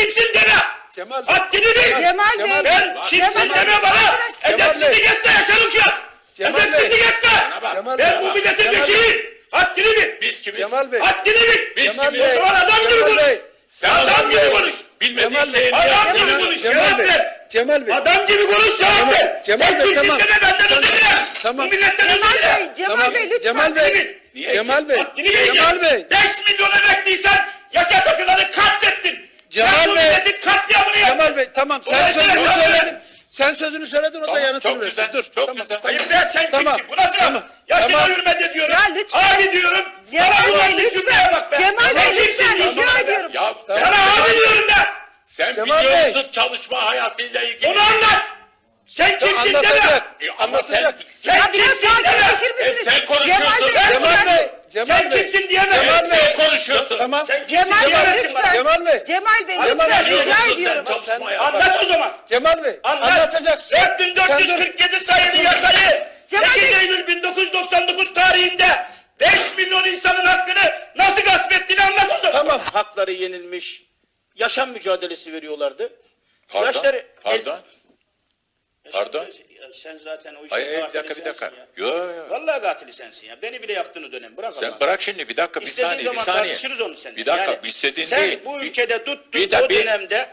kimsin deme. Cemal Bey. Haddini bil. Cemal Bey. Ben kimsin deme bana. Edepsizlik etme Yaşar Uçak. Edepsizlik etme. Ben bu milletin vekiliyim. Haddini bil. Biz kimiz? Cemal Bey. Haddini bil. Biz Cemal kimiz? Bey. O zaman adam gibi Cemal konuş. Bey. Sen adam gibi konuş. Bilmediğin şeyi Adam niye gibi yapıyorsun? konuş. Cemal Cevap Bey. ver. Cemal Bey. Adam gibi konuş cevap ver. Cemal Sen Bey, kimsin tamam. deme benden Sen- özür dile. Tamam. Bu milletten özür Cemal dile. Bey, Cemal Tamam. Bey lütfen. Cemal Bey. Niye? Cemal Bey. Haddini bileceksin. Cemal Bey. 5 milyon emekliysen yaşa takılanı katlettin. Cemal Sen bu Bey. milletin katliamını yaptın. Cemal Bey tamam sen Dolayısıyla sözünü sen- söyledin. Sen sözünü söyledin o da Tamam, yanıtını çok versin. güzel, Dur. çok tamam. güzel. Hayır be sen Tamam. kimsin? Bu nasıl Tamam. laf? Yaşına Tamam. hürmet ediyorum. Ya lütfen. Abi diyorum. Cemal Bana Bey, ulan lütfen. cümleye bak be. Cemal Sen Bey, kimsin lütfen, diyorsun rica bana be? ediyorum. Ya Sana abi diyorum be. sen Cemal biliyor Bey. musun çalışma hayatıyla ilgili? Onu anlat. Sen kimsin deme. Anlatacak. Ama sen, Anlatacak. Sen Ya biraz kimsin deme. sakinleşir misiniz? sen konuşuyorsun. Cemal Bey, Cemal lütfen. Bey. Cemal Sen Bey. kimsin diyemezsin. Cemal Bey. Sen konuşuyorsun. Tamam. Sen kimsin Cemal Bey diyemezsin bana. lütfen. Cemal Bey. Cemal Bey Cemal lütfen Bey, rica sen ediyorum. çalışma Sen- hayatı. Anlat o zaman. Cemal Bey. Anlat. Anlatacaksın. Sen dur. 4447 sayılı yasayı Cemal 8 Bey. Eylül 1999 tarihinde 5 milyon insanın hakkını nasıl gasp ettiğini anlat o zaman. Tamam. Hakları yenilmiş, yaşam mücadelesi veriyorlardı. Pardon, Yaşları... pardon. Pardon? Ya sen zaten o işin Hayır, bir katili dakika, bir dakika. sensin ya. Yo, yo. Vallahi katili sensin ya. Beni bile yaktın o dönem. Bırak Sen Allah'ını. bırak şimdi bir dakika, bir İstediğin saniye, bir zaman saniye. tartışırız onu seninle. Bir dakika, istediğin sen değil. bu Bir- ülkede tuttun bir de- o dönemde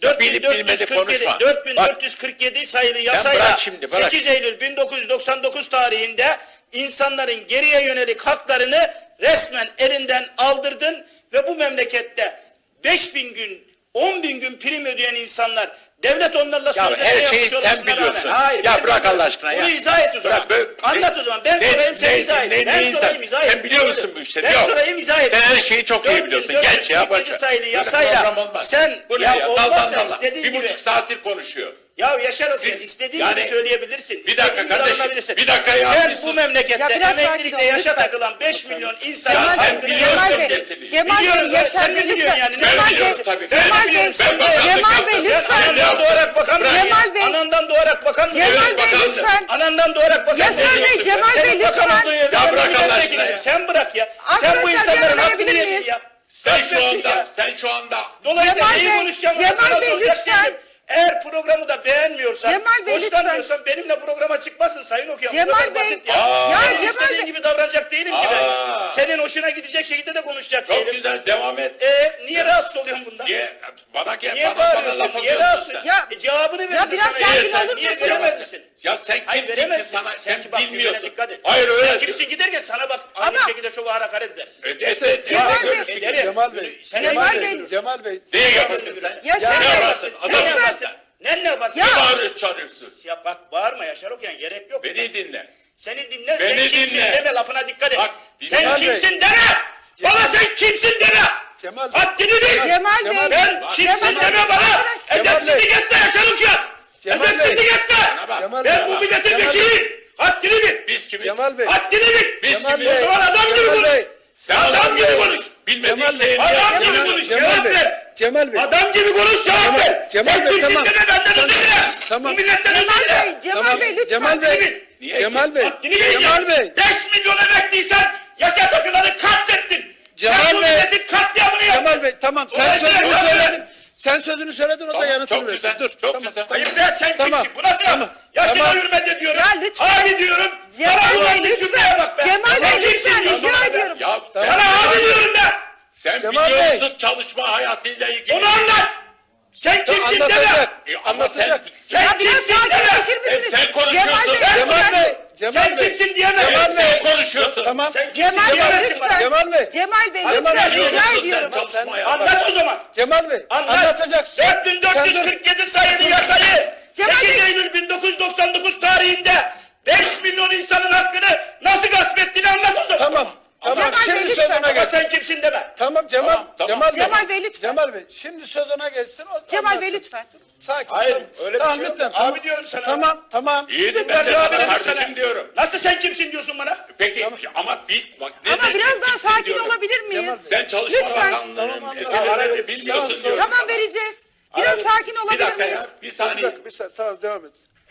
4447 sayılı yasayla bırak şimdi, bırak. 8 Eylül 1999 tarihinde insanların geriye yönelik haklarını resmen elinden aldırdın ve bu memlekette 5000 gün 10.000 gün prim ödeyen insanlar devlet onlarla Ya sözleşme her şeyi yapmış sen olmasına biliyorsun. rağmen. Hayır, Ya ben bırak bilmiyorum. Allah aşkına ya. Bunu izah et o zaman. Bırak, Anlat o zaman. Ben sorayım sen izah et. Ben sorayım izah et. Sen biliyor musun bu işleri? Ben Yok. sorayım izah et. Sen her şeyi çok iyi biliyorsun. Geç ya, boş ver. sayılı Böyle yasayla program olmaz. sen Bu ne ya olmazsa Dal. istediğin Bir gibi. buçuk saattir konuşuyor. Ya Yaşar Hoca Siz- istediğin yani- gibi söyleyebilirsin. Bir dakika istediğin gibi kardeşim, davranabilirsin. bir dakika ya, Sen bir bu sus. memlekette Ya biraz sakin emeklilikte ol, yaşa lütfen. takılan 5 milyon insanın Ya sen hakkını biliyorsun Cemal Bey, meseleyi. Cemal Bey, Biliyorum, Yaşar sen Bey biliyorsun lütfen. yani. Sen Cemal Bey, biliyorsun tabii. Cemal Bey, Ben bakanlık Cemal Bey yaptım. lütfen. Sen Anandan doğarak bakan mı? Cemal Bey. Anandan doğarak bakan mı? Cemal Evet, Bey bakalım. lütfen. Anandan doğarak bakan Yaşar mı? Bey, Cemal Senin Bey, bakan lütfen. olduğu yerde Ya ben bırak Allah milletvekilim. aşkına ya. Sen bırak ya. Sen bu Arkadaşlar, insanların bir hakkını arayabilir yedin miyiz? ya. Sen şu Gasp ettin anda, ya. sen şu anda Dolayısıyla Cemal neyi Bey, konuşacağım? Cemal Bey, lütfen. Eğer programı da beğenmiyorsan, Cemal Bey, hoşlanmıyorsan benimle programa çıkmasın Sayın Okuyan. Bu Cemal kadar Bey. basit ya. Ya Senin Cemal istediğin Bey. gibi davranacak değilim ki ben. Senin hoşuna gidecek şekilde de konuşacak çok değilim. güzel devam et. Niye rahatsız oluyorsun bundan? Niye bana gel, Niye bana laf bağırıyorsun? Niye atıyorsun rahatsız? sen? Ya- Cevabını verirsin biraz sana. sakin Sen olur niye musunuz? veremez misin? Ya sen Hayır kimsin ki veremezsin. sana, sen ki bak cümlene bilmiyorsun. dikkat et. Hayır Sen öyle. kimsin giderken sana bak aynı Ama- şekilde çok hakaret eder. Cemal Bey. Ederim. Cemal Bey. Sen Cemal ne Bey. görürsün? Cemal Bey. Neye yaparsın sen? Yaşar Ne Bey. yaparsın? Sen Adam ne Lütfen. yaparsın? Ne yaparsın? Ya- Ne bağırıyorsun, çağırıyorsun? Ya bak bağırma Yaşar Okuyan gerek yok. Beni dinle. Seni dinle, Beni sen kimsin dinle. deme, lafına dikkat et. Bak, Sen Cemal Bey. kimsin deme! Bana sen kimsin deme! Cemal Bey. Haddini bil! Cemal Bey. Ben kimsin Cemal deme Bey. bana! Arkadaşlar- Edepsizlik etme Yaşar Uçak! Cemal Bey. Edepsizlik etme! bak. Cemal Ben Bey. bu milletin Cemal Bey. vekiliyim! Haddini bil! Biz kimiz? Cemal Bey. Haddini bil! Biz Cemal kimiz? O zaman adam gibi Cemal konuş! Bey. Sen adam gibi konuş! Bilmediğin Cemal Bey. şeyi niye Adam gibi yapıyorsun? konuş! Cemal Cevap Bey. ver! Cemal Bey. Adam gibi konuş cevap ver! Cemal Sen Bey, kimsin tamam. deme benden özür dile! Tamam. Bu milletten özür Cemal dile! Bey, Cemal Tamam. Bey lütfen. Cemal Haddini Bey. bil! Niye? Cemal Bey. Haddini bil! Cemal Bey. 5 milyon emekliysen yaşa takılanı katlettin! Cemal Sen bu Bey. milletin katliamını yaptın! Cemal Bey tamam sen Dolayısıyla sözünü sen- söyledin. Sen sözünü söyledin o da Tamam, yanıtını çok versin. güzel, Dur. çok tamam, güzel. Tamam. Hayır ben sen Tamam, kimsin? Bu nasıl tamam, laf? Yaşına tamam. hürmet ediyorum. Ya lütfen. Abi diyorum. Cemal Sana Bey, ulan lütfen. cümleye bak be. Cemal Sen Bey, kimsin lütfen, diyorsun rica bana be? ediyorum. Ya Sana abi diyorum be. sen Cemal biliyor Bey. musun çalışma hayatıyla ilgili? Onu anlat. Sen kimsin deme. Anlatacak. Ama sen, Anlatacak. Sen Ya biraz kimsin deme. sakinleşir misiniz? sen konuşuyorsun. Cemal Bey, Cemal lütfen. Bey. Cemal Sen Bey. kimsin diyemezsin. Cemal Bey. sen konuşuyorsun. Tamam. Sen kimsin Cemal Bey diyemezsin bana. lütfen. Cemal Bey. Cemal Bey Cemal lütfen Bey, rica Biliyorsun ediyorum. sen çalışma hayatı. Anlat o zaman. Cemal Bey. Anlat. Anlatacaksın. 4447 sayılı yasayı Cemal 8 Bey. Eylül 1999 tarihinde 5 milyon insanın hakkını nasıl gasp ettiğini anlat o zaman. Tamam. Tamam. Cemal Bey, Şimdi lütfen. söz ona Ama gelsin. sen kimsin deme. Tamam Cemal. Tamam, Cemal Bey. Cemal Bey, lütfen. Cemal Bey. Şimdi söz ona gelsin. O Cemal Bey anlatsın. lütfen. Sakin. Hayır, tamam. öyle bir Tamam, şey yok. lütfen, Abi tamam. diyorum sana. Tamam. Tamam. İyi de ben Ben de cevap sana verelim kardeşim sana. diyorum. Nasıl sen kimsin diyorsun bana? Peki ama bak ne Ama demek biraz daha kimsin sakin diyorum. olabilir miyiz? Sen Çalışma Lütfen. Bakanlığı'nın Tamam, eserlerini bilmiyorsun Tamam, diyorum. Tamam vereceğiz. Biraz sakin Bir olabilir dakika miyiz? ya. Bir Bir saniye. dakika, bir saniye. Tamam devam et.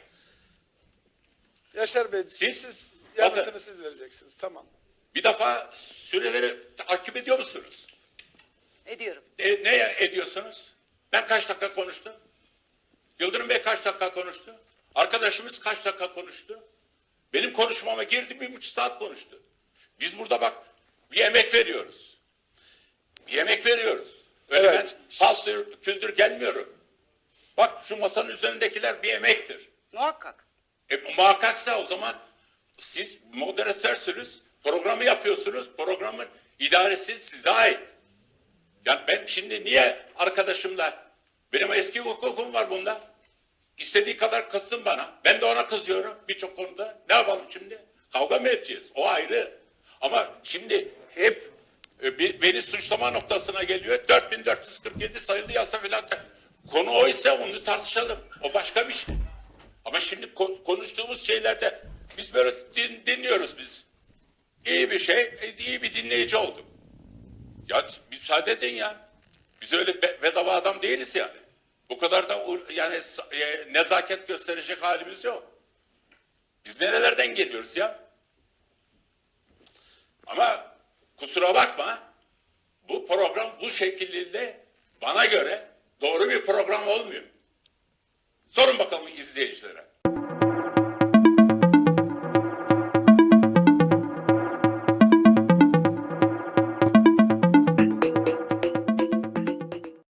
Yaşar Bey siz yanıtını siz vereceksiniz. Tamam. Bir defa süreleri takip ediyor musunuz? Ediyorum. Ne ediyorsunuz? Ben kaç dakika konuştum? Yıldırım Bey kaç dakika konuştu? Arkadaşımız kaç dakika konuştu? Benim konuşmama girdi 1,5 saat konuştu. Biz burada bak bir emek veriyoruz. Bir emek veriyoruz. Öyle Evet. ben paltır küldür gelmiyorum. Bak şu masanın üzerindekiler bir emektir. Muhakkak. Muhakkaksa o zaman siz moderatörsünüz, programı yapıyorsunuz, programın idaresi size ait. Yani ben şimdi niye arkadaşımla, benim eski hukukum var bunda. İstediği kadar kızsın bana. Ben de ona kızıyorum birçok konuda. Ne yapalım şimdi? Kavga mı edeceğiz? O ayrı. Ama şimdi hep beni suçlama noktasına geliyor. 4447 sayılı yasa filan. Konu oysa onu tartışalım. O başka bir şey. Ama şimdi konuştuğumuz şeylerde biz böyle dinliyoruz biz. İyi bir şey, iyi bir dinleyici olduk. Ya müsaade edin ya. Biz öyle bedava adam değiliz yani. Bu kadar da yani nezaket gösterecek halimiz yok. Biz nerelerden geliyoruz ya? Ama kusura bakma, bu program bu şekilde bana göre doğru bir program olmuyor. Sorun bakalım izleyicilere.